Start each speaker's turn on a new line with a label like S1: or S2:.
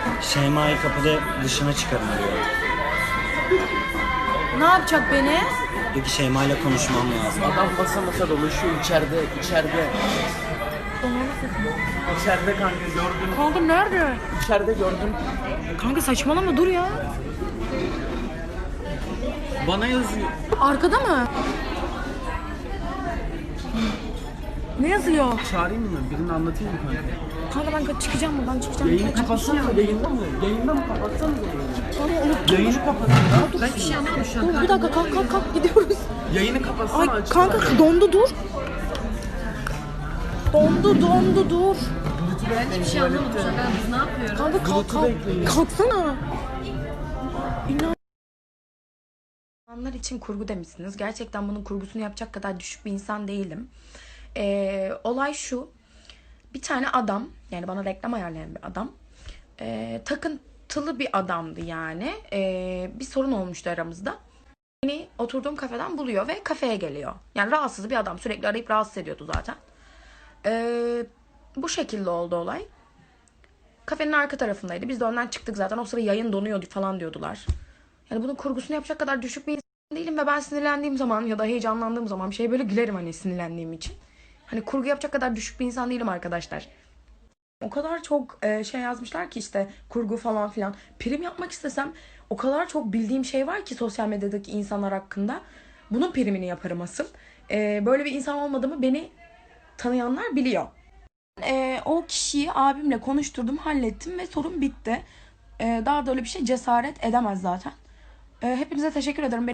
S1: Şeyma'yı kapıda dışına çıkarın diyor.
S2: Ne yapacak beni?
S1: Diyor ki Şeyma'yla konuşmam lazım.
S3: Adam basa basa dolaşıyor içeride. İçeride kanka gördüm.
S2: Kanka nerede?
S3: İçeride gördüm.
S2: Kanka saçmalama dur ya.
S3: Bana yazıyor.
S2: Arkada mı? Ne yazıyor?
S3: Çağırayım mı? Birini anlatayım mı kanka?
S2: Kanka ben çıkacağım buradan çıkacağım.
S3: Yayını kapatsana. Yayında mı? Yayında mı kapatsana yayını?
S2: Kanka unuttum.
S3: Yayını kapatın ya.
S2: Ben bir şey anlamadım şu an. Dur bir dakika kalk gidiyoruz.
S3: Yayını kapatsana.
S2: Ay
S3: aç.
S2: kanka dondu dur. Dondu dur.
S4: Ben hiçbir şey anlamadım şu an. Biz ne yapıyoruz?
S2: Kanka kalksana. İnsanlar için kurgu demişsiniz. Gerçekten bunun kurgusunu yapacak kadar düşük bir insan değilim. Olay şu. Bir tane adam, yani bana reklam ayarlayan bir adam. Takıntılı bir adamdı yani. Bir sorun olmuştu aramızda. Beni oturduğum kafeden buluyor ve kafeye geliyor. Yani rahatsız bir adam. Sürekli arayıp rahatsız ediyordu zaten. Bu şekilde oldu olay. Kafenin arka tarafındaydı. Biz de önden çıktık zaten. O sıra yayın donuyordu falan diyordular. Yani bunun kurgusunu yapacak kadar düşük bir insan değilim ve ben sinirlendiğim zaman ya da heyecanlandığım zaman bir şey böyle gülerim hani sinirlendiğim için. Hani kurgu yapacak kadar düşük bir insan değilim arkadaşlar. O kadar çok şey yazmışlar ki işte kurgu falan filan. Prim yapmak istesem o kadar çok bildiğim şey var ki sosyal medyadaki insanlar hakkında. Bunun primini yaparım asıl. Böyle bir insan olmadığımı beni tanıyanlar biliyor. O kişiyi abimle konuşturdum, hallettim ve sorun bitti. Daha da öyle bir şey cesaret edemez zaten. Hepinize teşekkür ederim.